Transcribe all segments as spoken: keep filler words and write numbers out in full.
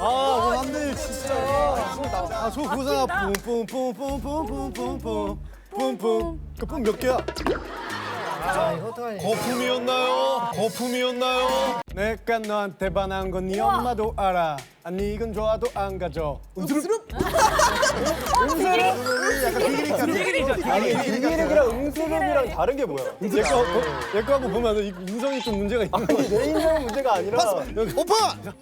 아, 안돼 진짜. 아, 저 그거잖아. 뿜뿜뿜뿜뿜뿜뿜뿜 뿜뿜. 그뿜 몇 개야? 거품이었나요? 거품이었나요? 내가 너한테 반한 건 네 엄마도 알아. 아니 이건 좋아도 안 가져. 음스럽? 음스럽? 약간 비기니까. 아니 비기니랑 음스럽이랑 다른 게 뭐야? 얘거 얘거 한번 보면 이 인성이 좀 문제가 있는 거야. 내 인성 문제가 아니라. 오픈!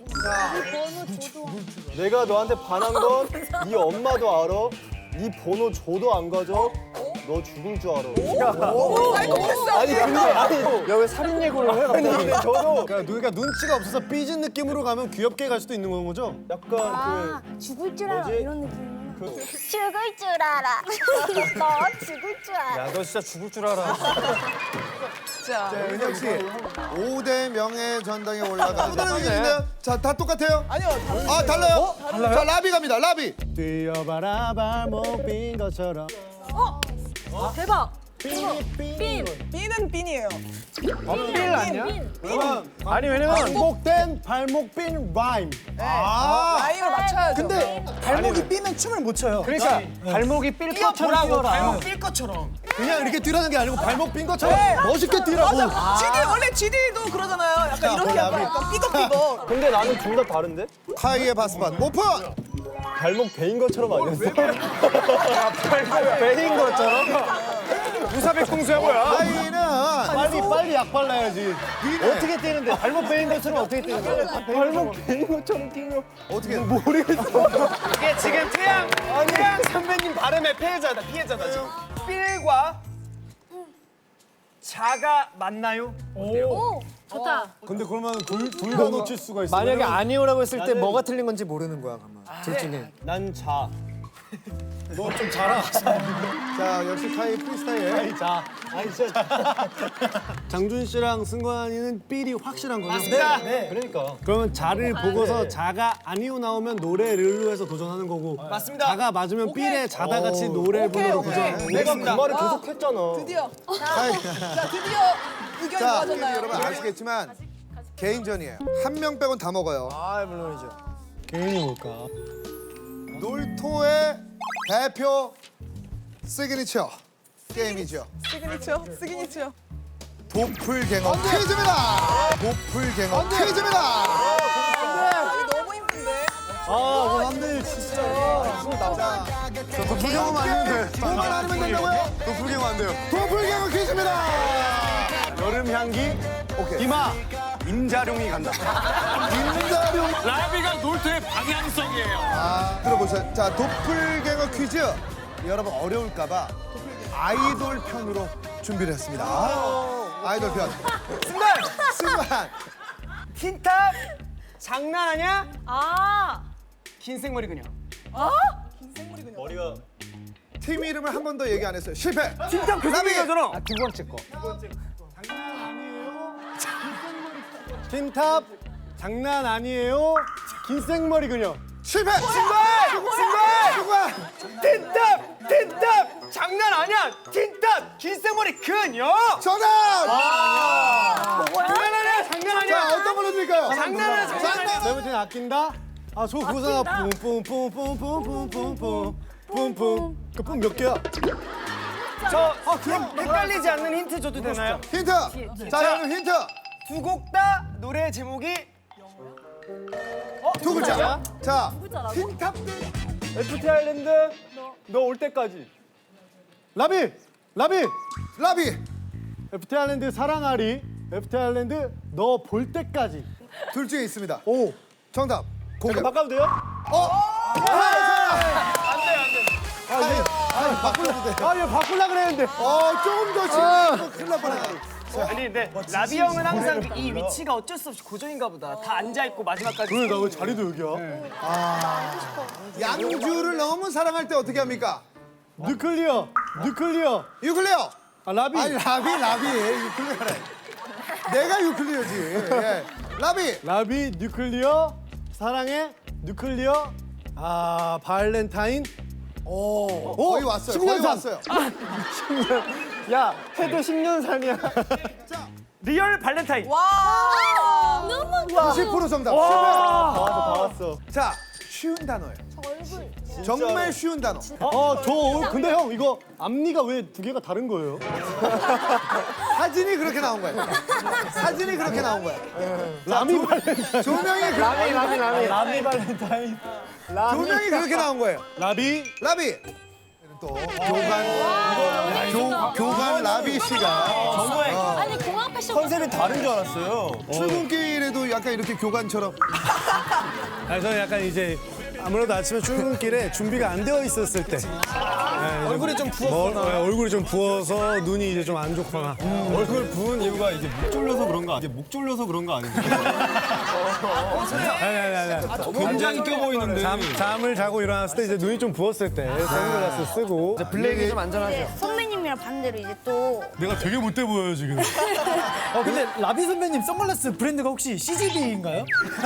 내가 너한테 반한 건 네 엄마도 알아. 네 번호 줘도 안 가져. 너 죽을 줄 알아. 아니 근데 아니 야왜 살인 예고를 해? 아니 근데 저도 그러니까 누가 눈치가 없어서 삐진 느낌으로 가면 귀엽게 갈 수도 있는 거죠? 약간 아, 그 죽을 줄 알아 뭐지? 이런 느낌. 그... 죽을 줄 알아. 너 죽을 줄 알아. 야 너 진짜 죽을 줄 알아. 자, 은혁 씨. 오 대 명예 전당에 올라가는 다른 의견인데요? 자, 다 똑같아요? 아니요. 아, 달라요? 달라요? 자, 라비 갑니다. 라비. 뛰어봐라 발목 빈 것처럼. 어? 대박. 빈. B는 B이에요. 빈 아니야? 빈. 그러면 아니 왜냐면 반복된 발목 빈 라임. 아, 라임을 맞춰야죠. 근데 발목이 삐면 춤을 못 춰요. 그러니까 발목이 삘 것처럼 뛰어라. 발목 삘 것처럼. 그냥 이렇게 뛰라는 게 아니고 발목 빈 것처럼 멋있게 뛰라고. 맞아. 지디 원래 지디도 그러잖아요. 약간 자, 이렇게 라비. 약간, 약간 삐걱삐걱. 근데 나는 둘 다 다른데? 카이의 바스반 오픈! 발목 베인 것처럼 아니었어? 발목 베인 것처럼? 무사백공수야 뭐야? 카이는 빨리 빨리 약 발라야지. 어떻게 뛰는데? 발목 베인 것처럼 어떻게 뛰는 거야? 발목 베인 것처럼 뛰면 어떻게 모르겠어. 이게 지금 태양 태양 선배님 발음의 피해자다 피해자다 지금. 삘과 자가 맞나요? 오, 좋다. 근데 그러면 둘 다 놓칠 수가 있어. 만약에 아니오라고 했을 때 나는- 뭐가 틀린 건지 모르는 거야. 그러면. 둘 중에. 난 자. 너 좀 자라. 자, 역시 카이 프리스타일. 아이 자. 아이 진짜. 장준 씨랑 승관이는 삘이 확실한 거죠? 맞습니다. 네. 그러니까. 그러면 자를 보고서 자가 아니오 나오면 노래 르르 해서 도전하는 거고. 맞습니다. 자가 맞으면 삘에 자다 같이 노래 부르러 오케이. 도전. 내가 그 말을 계속 했잖아. 드디어. 카이. 자, 드디어 의견이 자, 모아졌나요? 여러분 아시겠지만 개인전이에요. 한 명 빼곤 다 먹어요. 아 물론이죠. 개인이 뭘까? 놀토의 대표 시그니처 게임이죠. 시그니처, 시그니처. 도플갱어 퀴즈입니다. 도플갱어 퀴즈입니다. 아, 이거 너무 힘든데. 아, 안돼 진짜. 저 도플갱어만 아니면 돼. 뭐만 아니면 된다고요? 도플갱어 안 돼요. 도플갱어 퀴즈입니다. 여름 향기. 오케이. 이마. 임자룡이 간다. 임자룡. 라비가 놀토의 방향성이에요. 아, 들어보세요. 자, 도플갱어 퀴즈. 여러분 어려울까봐 아이돌 편으로 준비를 했습니다. 아이돌 편. 승관! 승관. 틴탑! 장난하냐? 아, 긴 생머리 그냥. 머리가. 팀 이름을 한 번 더 얘기 안 했어요. 실패. 틴탑 그 라비. 생머리잖아. 두 번째 거. 틴탑 장난 아니에요. 긴 생머리 그녀. 실패. 승관! 승관! 승관. 틴탑! 틴탑! 장난 아니야! 틴탑! 긴 생머리 그녀! 정답. 장난 아니야! 장난 아니야! 자, 어떤 걸로 드릴까요? 장난은 장난! 세븐틴 아낀다. 아, 저 그거잖아. 뿜뿜뿜뿜뿜뿜뿜뿜 뿜뿜. 그뿜 몇 개야? 저 어, 그럼 헷갈리지 않는 힌트 줘도 되나요? 힌트. 자, 여러분 힌트. 두 곡 다 노래 제목이 두 글자. 자, 틴탑 에프티 아일랜드 너 올 때까지. 라비. 라비. 라비. 에프티 아일랜드 사랑하리. 에프티 아일랜드 너 볼 때까지. 둘 중에 있습니다. 오. 정답. 공개. 바꿔도 돼요? 어? 아, 얘, 아니, 바꾸려도 돼. 아, 얘 바꾸려 그랬는데. 어, 조금 더 지금 큰일 날 뻔했다. 아니 근데 라비 형은 항상 이 위치가 어쩔 수 없이 고정인가 보다. 다 앉아 있고 마지막까지. 그래, 나 왜 자리도 여기야? 양주를 너무 사랑할 때 어떻게 합니까? 뉴클리어. 뉴클리어. 유클리어. 아, 라비. 아니, 라비, 라비. 유클리어래. 내가 유클리어지. 예. 라비. 라비, 뉴클리어. 사랑해. 뉴클리어. 아, 발렌타인. 오, 오, 거의 왔어요. 십 년 거의 산. 왔어요. 야, 해도 십 년 산이야. 리얼 발렌타인. 와. 구십 퍼센트 정답. 실패. 다 왔어, 다 왔어. 자, 쉬운 단어예요. 정말 쉬운 단어. 어, 저 근데 형 이거 앞니가 왜 두 개가 다른 거예요? 사진이 그렇게 나온 거예요. 사진이 그렇게 나온 거예요. 라미 발렌타인. 조명이 그, 라미 라미 라미. 라미 발렌타인. 조명이 그렇게 나온 거예요. 라비. 라비. 또 교관 교, 교관 라비 씨가 아니 공항 패션 컨셉이 다른 줄 알았어요. 출근길에도 약간 이렇게 교관처럼 아, 저는 약간 이제 아무래도 아침에 출근길에 준비가 안 되어 있었을 때 얼굴이 좀 뭐, 부었구나. 네, 얼굴이 좀 부어서 눈이 이제 좀 안 좋거나 얼굴 부은 이유가 이게 목 졸려서 그런 거 아니에요? 목 졸려서 그런 거 아니에요? 아니 아니 아니 아니. 굉장히 껴 보이는데. 잠, 잠을 자고 일어났을 때 이제 눈이 좀 부었을 때 선글라스 쓰고 블랙이 좀 안전하죠. 선배님이랑 반대로 이제 또 내가 되게 못돼 보여요 지금. 어 근데 라비 선배님 선글라스 브랜드가 혹시 씨지비인가요?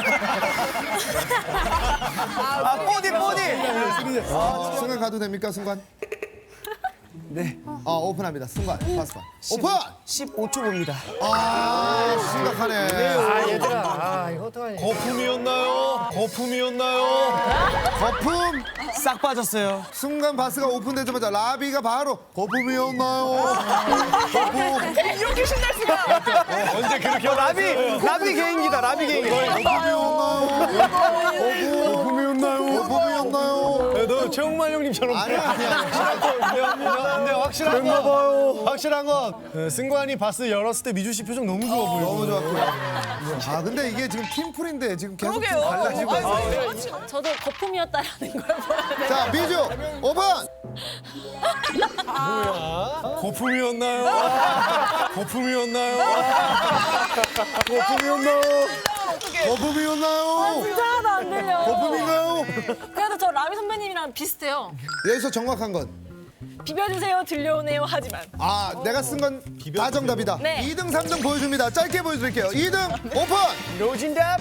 아 뽀디 뽀디. 순간 가도 됩니까 순간? 네. 어 오픈합니다. 순간 파스판. 오픈. 십오 초 봅니다. 아 심각하네. 아 얘들아, 아 이거 어떡하니? 거품이었나요? 거품이었나요? 거품. 싹 빠졌어요. 순간 바스가 오픈되자마자 라비가 바로 거품이었나요? 거품. 이렇게 신날 수가. 언제 그렇게 라비 라비 개인기다. 라비 개인기. 거품이었나요? 거품이었나요? 거품이었나요? 야, 너 최홍만 형님처럼. 아니야 아니야. 근데 확실한 건 확실한 건 네, 승관이 바스 열었을 때 미주 씨 표정 너무 좋아 보여. 너무 좋았고요. 아 근데 이게 지금 팀플인데 지금 계속 좀 그러게요. 달라지고 있어요. 저, 저도 거품이었다라는 걸 보여야 자 미주 오픈. 거품이었나요? 거품이었나요? 거품이었나요? 거품이었나요? 진짜 하나도 안 들려. 거품인가요? 그래도 저 라비 선배님이랑 비슷해요. 여기서 정확한 건. 비벼주세요 들려오네요 하지만. 아, 내가 쓴 건 다 정답이다. 네. 이 등, 삼 등 보여줍니다. 짧게 보여드릴게요. 이 등 오픈! 노진답.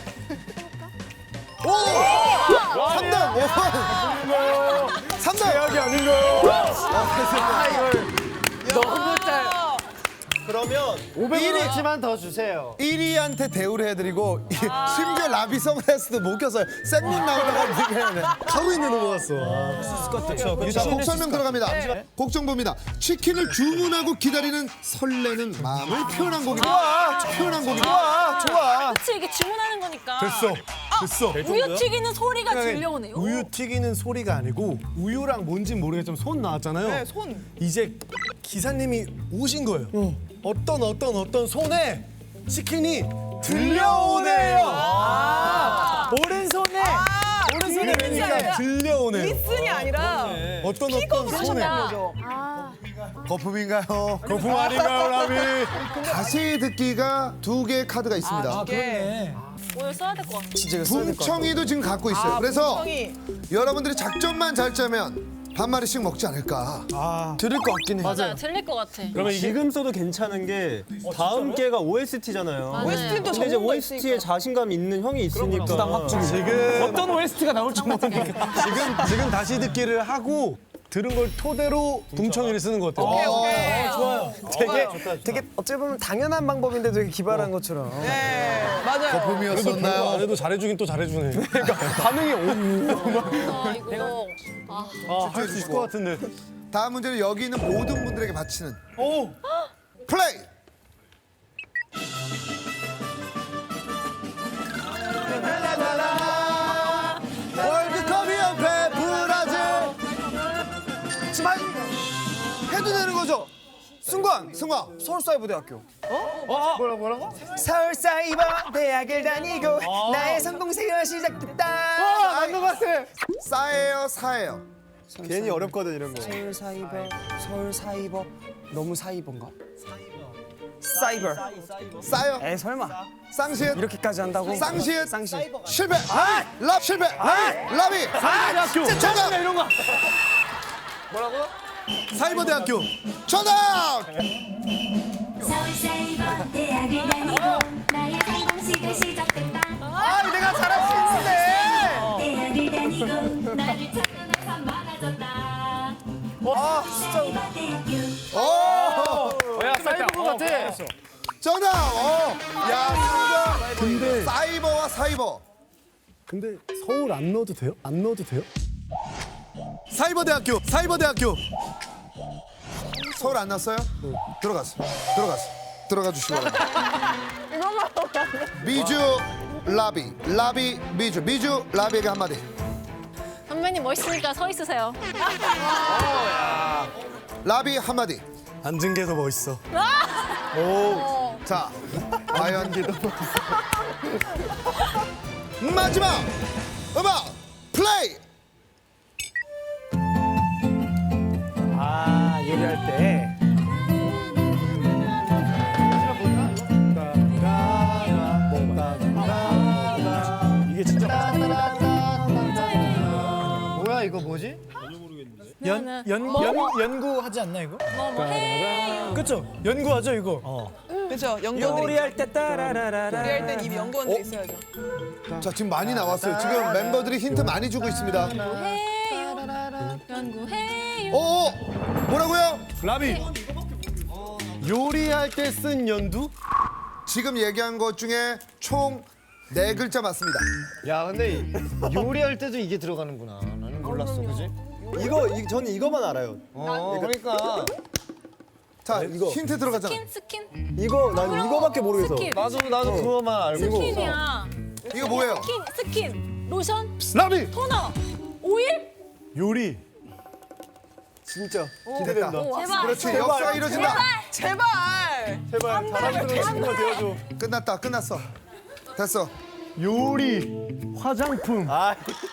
삼 등 오픈! 삼 등! 최악이 아닌가요? 아 이걸 너무 짤. 그러면 오백 원어치만 더 주세요. 일 위한테 대우를 해드리고 이- 심지어 라비 선글라스도 못 꼈어요. 생눈 나오다가 지금 하고 있는 것 같어. 네. 자, 곡 설명 들어갑니다. 곡 정보입니다. 치킨을 주문하고 기다리는 설레는 마음을 표현한 곡입니다. 표현한 곡입니다. 좋아 좋아. 그치 이게 주문하는 거니까. 됐어. 됐어. 우유 튀기는 소리가 들려오네요. 우유 튀기는 소리가 아니고 우유랑 뭔진 모르겠지만 손 나왔잖아요. 네, 손. 이제 기사님이 오신 거예요. 어떤 어떤 어떤 손에 치킨이 들려오네요. 아, 오른손에 오른손에 그러니까 들려오네요. 리슨이 아니라 어떤 어떤 손에 거품인가요? 거품 아닌가요, 라비? 다시 듣기가 두 개의 카드가 있습니다. 예. 오늘 써야 될 것 같아. 진짜 이거 써야 될것 같아. 붕청이도 지금 갖고 있어요. 그래서 붕청이. 여러분들이 작전만 잘 짜면 반 마리씩 먹지 않을까. 들을 것 같긴 해. 맞아요. 들릴 것 같아. 그러면 지금 써도 괜찮은 게 다음 개가 오에스티잖아요. 맞아요. 오에스티도 근데 이제 전문가 오에스티에 있으니까. 자신감 있는 형이 있으니까 부담 확증. 지금 어떤 오에스티가 나올지 모르니까. 지금 지금 다시 듣기를 하고 들은 걸 토대로 붕청이를 쓰는 것 같아요. 오케이 오케이. 좋아요. 되게 되게 어찌 보면 당연한 방법인데 되게 기발한 것처럼. 네 맞아요. 그래도 별거 거품이었었나요? 안 해도 잘해주긴 또 잘해주네. 반응이 오. 아 이거 아, 할 수 있을 것 같은데. 다음 문제는 여기 있는 모든 분들에게 바치는 오. 플레이. 월드컵이 옆에 브라질. 지만 해도 되는 거죠? 승관, 승관. 서울사이버대학교. 뭐라 뭐라고? 서울사이버대학을 다니고 나의 성공세가 시작됐다. 맞는 것 같아. 싸예요, 사예요. 괜히 어렵거든 이런 거. 서울사이버, 서울사이버. 너무 사이버인가? 사이버. 싸요. 에 설마 쌍시읒. 이렇게까지 한다고? 쌍시읒. 쌍시. 실패. 아! 랍 실패. 아! 랍이. 대학교. 정답. 이런 거. 사이버대학교. 정답. 서울사이버대학을 다니고 나의 성공식을 시작됐다. 아 내가 잘할 수 있는데. 대학을 다니고 나를 찾는 널 많아졌다. 아 진짜. 사이버대학교 오! 야 사이버 같아. 정답. 어. 야, 근데 사이버와 사이버. 근데 서울 안 넣어도 돼요? 안 넣어도 돼요? 사이버대학교, 사이버대학교. 서울 안 났어요? 들어갔어, 들어갔어. 들어가 주시기 바랍니다. 미주, 라비, 라비, 미주, 미주, 라비에게 한마디. 선배님 멋있으니까 서 있으세요. 라비 한마디. 앉은 게 더 멋있어. 자, 과연 마지막 음악 플레이. 아 요리할 때. 이게 진짜 뭐야 이거 뭐지? 연, 연, 연, 연구하지 않나 이거? 뭐뭐 해. 그쵸? 연구하죠 이거. 그렇죠. 연구원들이 요리할 때 따라라라라. 요리할 땐 이미 연구원들이 있어야죠. 자, 지금 많이 나왔어요. 지금 멤버들이 힌트 많이 주고 있습니다. 해요. 연구해요. 오, 뭐라고요? 라비. 요리할 때 쓴 연두? 지금 얘기한 것 중에 총 네 글자 맞습니다. 야 근데 요리할 때도 이게 들어가는구나. 나는 몰랐어, 그지? 이거 이, 저는 이거만 알아요. 어, 그러니까 자, 힌트 들어가잖아. 스킨 스킨. 이거 난 이거밖에 모르겠어. 스킨. 나도 나도 그거만 알고. 스킨이야. 이거 뭐예요? 스킨 스킨. 로션. 라비. 토너. 오일. 요리. 진짜 기대된다. 제발. 그렇지, 역사가 이루어진다. 제발. 제발 사람들은 친구가 되어줘. 끝났다, 끝났어. 됐어. 요리. 화장품. 아